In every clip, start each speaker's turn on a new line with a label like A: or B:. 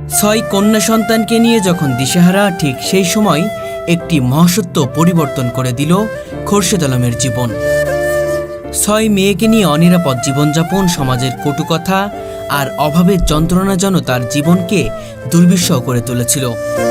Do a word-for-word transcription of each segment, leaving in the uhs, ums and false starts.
A: ছয় কন্যা সন্তানকে নিয়ে যখন দিশেহারা, ঠিক সেই সময় একটি মহাসত্য পরিবর্তন করে দিল খোরশেদ আলমের জীবন। ছয় মেয়েকে নিয়ে অনিরাপদ জীবনযাপন, সমাজের কটুকথা আর অভাবের যন্ত্রণা যেন তার জীবনকে দুর্বিষহ করে তুলেছিল।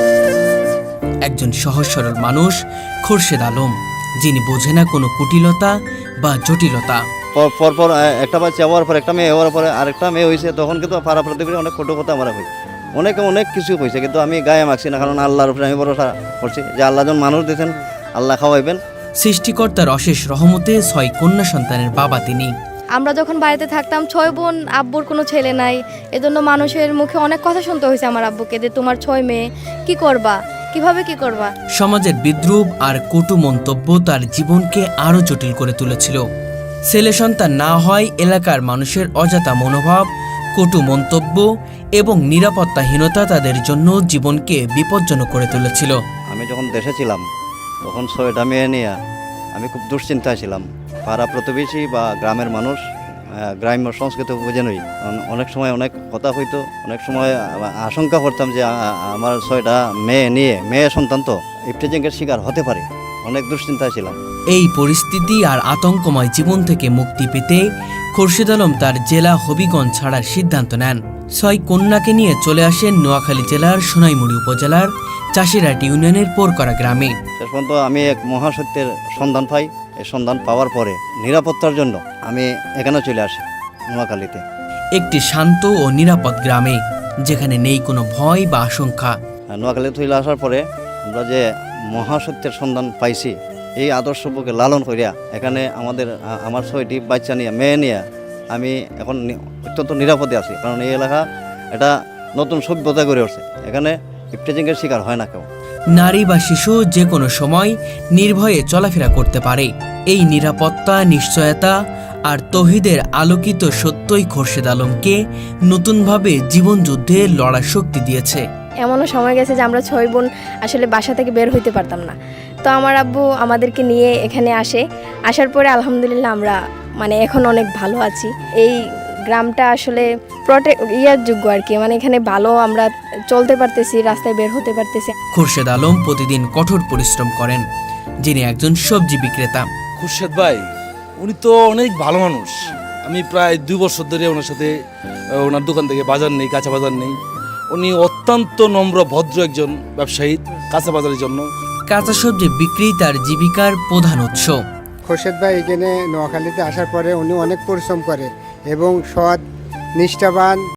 A: একজন সহজ সরল মানুষ খোরশেদ আলম, যিনি বোঝে না কোনো কুটিলতা বা জটিলতা।
B: পরপর একটা বাচ্চা হওয়ার পর একটা মেয়ে হওয়ার পরে আরেকটা মেয়ে হয়েছে, তখন কিন্তু পাড়া প্রতিবেশী অনেক কটু কথা আমরা হই, অনেকে অনেক কিছু হয়েছে, কিন্তু আমি গায়ে মাখছি না, কারণ আল্লাহর উপরে আমি ভরসা করছি যে আল্লাহ যখন মানুষ দিয়েছেন, আল্লাহ খাওয়াইবেন।
A: সৃষ্টিকর্তার অশেষ রহমতে ছয় কন্যা সন্তানের বাবা তিনি।
C: আমরা যখন বাড়িতে থাকতাম ছয় বোন, আব্বুর কোনো ছেলে নাই, এজন্য মানুষের মুখে অনেক কথা শুনতে হয়েছে আমার আব্বুকে যে তোমার ছয় মেয়ে, কি করবা, কিভাবে কি করবা।
A: সমাজের বিদ্রূপ আর কটু মন্তব্য তার জীবনকে আরও জটিল করে তুলেছিল। ছেলে সন্তান না হয় এলাকার মানুষের অজাতা মনোভাব, কটু মন্তব্য এবং নিরাপত্তাহীনতা তাদের জন্য জীবনকে বিপজ্জনক করে তুলেছিল।
B: আমি যখন দেশে ছিলাম তখন ছয়টা মেয়ে নিয়ে আমি খুব দুশ্চিন্তায় ছিলাম। পাড়া প্রতিবেশী বা গ্রামের মানুষ গ্রাম্য সংস্কৃতি বুঝে নই, অনেক সময় অনেক কথা হইতো, অনেক সময় আশঙ্কা করতাম যে আমার ছয়টা মেয়ে নিয়ে, মেয়ে সন্তান তো ইফটিজিংয়ের শিকার হতে পারে, অনেক দুশ্চিন্তায় ছিলাম।
A: এই পরিস্থিতি আর আতঙ্কময় জীবন থেকে মুক্তি পেতে খোরশেদ আলম তার জেলা হবিগঞ্জ ছাড়ার সিদ্ধান্ত নেন। ছয় কন্যাকে নিয়ে চলে আসেন নোয়াখালী জেলার সোনাইমুড়ি উপজেলার চাষিরাট ইউনিয়নের পোরকরা গ্রামে।
B: শেষ পর্যন্ত আমি এক মহাসত্যের সন্ধান পাই। এই সন্ধান পাওয়ার পরে নিরাপত্তার জন্য আমি এখানে চলে আসি, নোয়াখালীতে।
A: একটি শান্ত ও নিরাপদ গ্রামে, যেখানে নেই কোনো ভয় বা আশঙ্কা।
B: নোয়াখালী চলে আসার পরে আমরা যে মহাসত্যের সন্ধান পাইছি, এই আদর্শকে লালন করিয়া এখানে আমাদের আমার ছয়টি বাচ্চা নিয়ে, মেয়ে নিয়ে আমি এখন অত্যন্ত নিরাপদে আছি, কারণ এই এলাকা এটা নতুন সভ্যতা গড়ে উঠছে, এখানে ইফটিজিংয়ের শিকার হয় না কেউ।
A: নারী বা শিশু যে কোনো সময় নির্ভয়ে চলাফেরা করতে পারে। এই নিরাপত্তা, নিশ্চয়তা আর তৌহিদের আলোকিত সত্যই খোরশেদ আলমকে নতুনভাবে জীবনযুদ্ধে লড়ার শক্তি দিয়েছে।
C: এমনও সময় গেছে যে আমরা ছয় বোন আসলে বাসা থেকে বের হইতে পারতাম না, তো আমার আব্বু আমাদেরকে নিয়ে এখানে আসে। আসার পরে আলহামদুলিল্লাহ আমরা মানে এখন অনেক ভালো আছি। এই গ্রামটা আসলে প্রটেক্ট ইয়ার যোগ্য আর কি, মানে এখানে ভালো আমরা চলতে পারতেছি, রাস্তায় বের হতে পারতেছি।
A: খোরশেদ আলম প্রতিদিন কঠোর পরিশ্রম করেন, যিনি একজন সবজি বিক্রেতা।
D: খোরশেদ ভাই উনি তো অনেক ভালো মানুষ। আমি প্রায় দুই বছর ধরে ওনার সাথে, ওনার দোকান থেকে বাজার নেই, কাঁচা বাজার নেই। উনি অত্যন্ত নম্র, ভদ্র একজন ব্যবসায়ী কাঁচা বাজারের জন্য।
A: কাঁচা সবজি বিক্রি তার জীবিকার প্রধান উৎস।
E: খোরশেদ ভাই এখানে নোয়াখালীতে আসার পরে উনি অনেক পরিশ্রম করে এবং সৎ, নিষ্ঠাবান